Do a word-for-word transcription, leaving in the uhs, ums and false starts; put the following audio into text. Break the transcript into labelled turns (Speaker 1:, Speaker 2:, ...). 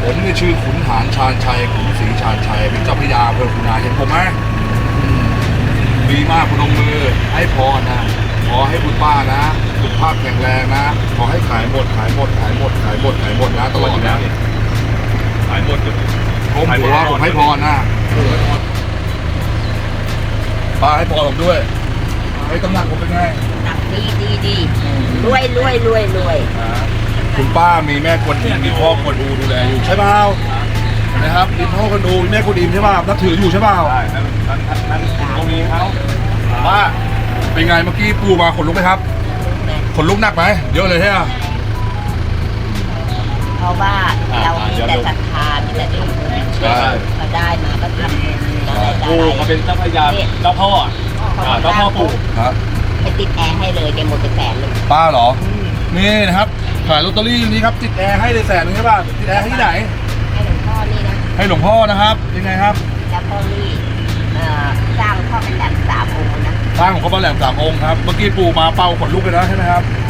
Speaker 1: ผมนี่ชื่อขุนหารชาญชัยขุนศรีชาญชัยเป็นเจ้าพระยาอำเภอขุนหารเห็นผมไหมอืมดีมากพนมมือให้พรนะขอให้คุณป้านะสุขภาพแข็งแรงนะขอให้ขายหมดขายหมดขายหมดขายหมดขายหมดนะตลอดนะ
Speaker 2: ขายหมดเลย
Speaker 1: ผมถือว่าผมให้พรนะป้าให้พรผมด้วยให้ตำหนักผมเป็นไง
Speaker 3: หนักดีดีดีรวยรวยรวยรวย
Speaker 1: คุณป้ามีแม่กวนอิมมีพ่อกวนอูดูแลอยู่ใช่เปล่านะครับมีพ่อกวนอูมีแม่กวนอิมใช่เปล่านับถืออยู่ใช่เปล่า
Speaker 2: ใช่นั่นนั่นนั่นตรงนี้เขา
Speaker 1: ป้าเป็นไงเมื่อกี้ปูมาขนลุกไหมครับขนลุกหนักไหมเยอะเลยใช่ไหม
Speaker 3: เพราะว่าเรามีแต่ศรัทธามีแต่ทำบุญก็ได้มาก็ทำบุญอะไร
Speaker 2: ปู่เขาเป็นเจ้าพระยาเจ้าพ่ออ่าเจ้าพ่อปู่
Speaker 1: ครับ
Speaker 3: ไปติดแอร์ให้เลยแกหมดไปแสนหนึ่ง
Speaker 1: ป้าเหรอนี่นะครับขายลอตเตอรี่นี้ครับติดแอร์ให้เลยแสนนึงใช่ป่ะติดแอร์ให้ที่ไหน
Speaker 3: ให้หลวงพ่อนี่นะ
Speaker 1: ให้หลวงพ่อนะครับยังไงครับ
Speaker 3: แล้วพ่อนี่เอ่อสร้างพ่อเป็นแหลมสามองค์นะ
Speaker 1: สร้างของเขาบ้านแหลมสามองค์ครับเมื่อกี้ปูมาเป่าขนลุกเลยนะใช่ไหมครับ